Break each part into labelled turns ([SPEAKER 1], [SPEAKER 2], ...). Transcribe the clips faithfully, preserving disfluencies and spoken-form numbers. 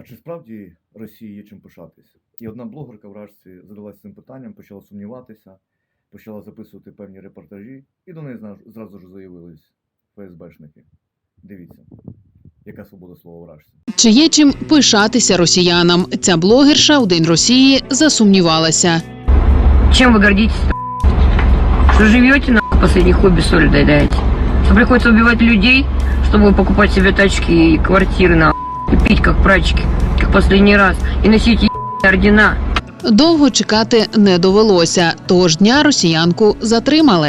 [SPEAKER 1] А чи справді Росії є чим пишатися? І одна блогерка вражці задалася цим питанням, почала сумніватися, почала записувати певні репортажі, і до неї зразу ж заявились ФСБшники. Дивіться, яка свобода слова вражці.
[SPEAKER 2] Чи є чим пишатися росіянам? Ця блогерша у День Росії засумнівалася.
[SPEAKER 3] Чим ви гордитесь? Що живете, нахуй, последние хобби соль доедаете? Что приходится убивать людей, чтобы покупать себе тачки и квартиры, нахуй, и пить как прачки, как последний раз, и носить ебаные ордена.
[SPEAKER 2] Довго чекати не довелося, того ж дня росіянку затримали.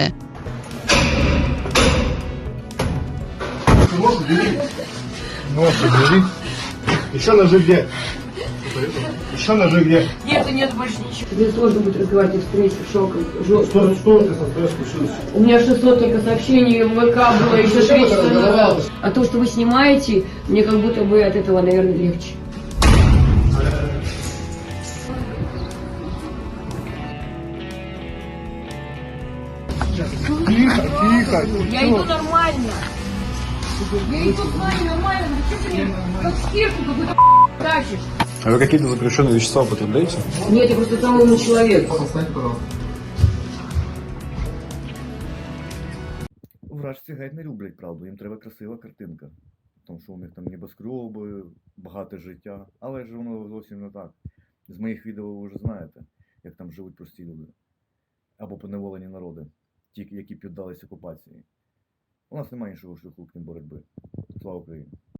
[SPEAKER 4] Нож убери. Нож убери. Еще ножи где? Еще ножи где?
[SPEAKER 3] Нет, нет больше ничего. Тебе сложно будет разговаривать в встрече, шоком, жестко.
[SPEAKER 4] Что, что ты со мной случилось?
[SPEAKER 3] У меня шестьсот только сообщений в ВК было еще три часа назад. А то, что вы снимаете, мне как будто бы от этого, наверное, легче.
[SPEAKER 4] Тихо, тихо.
[SPEAKER 3] Я иду нормально. Я иду с вами нормально, но что ты мне как скирку какую-то тащишь?
[SPEAKER 5] А вы какие-то запрещенные вещества употребляете?
[SPEAKER 3] Нет, я просто самый умный человек.
[SPEAKER 1] Вражці геть не люблять правду, їм треба красива картинка. Тому що у них там небоскреби, багате життя. Але ж воно зовсім не так. З моїх відео ви вже знаєте, як там живуть прості люди. Або поневолені народи, ті, які піддались окупації. У нас немає іншого шляху, крім боротьби. Слава Україні!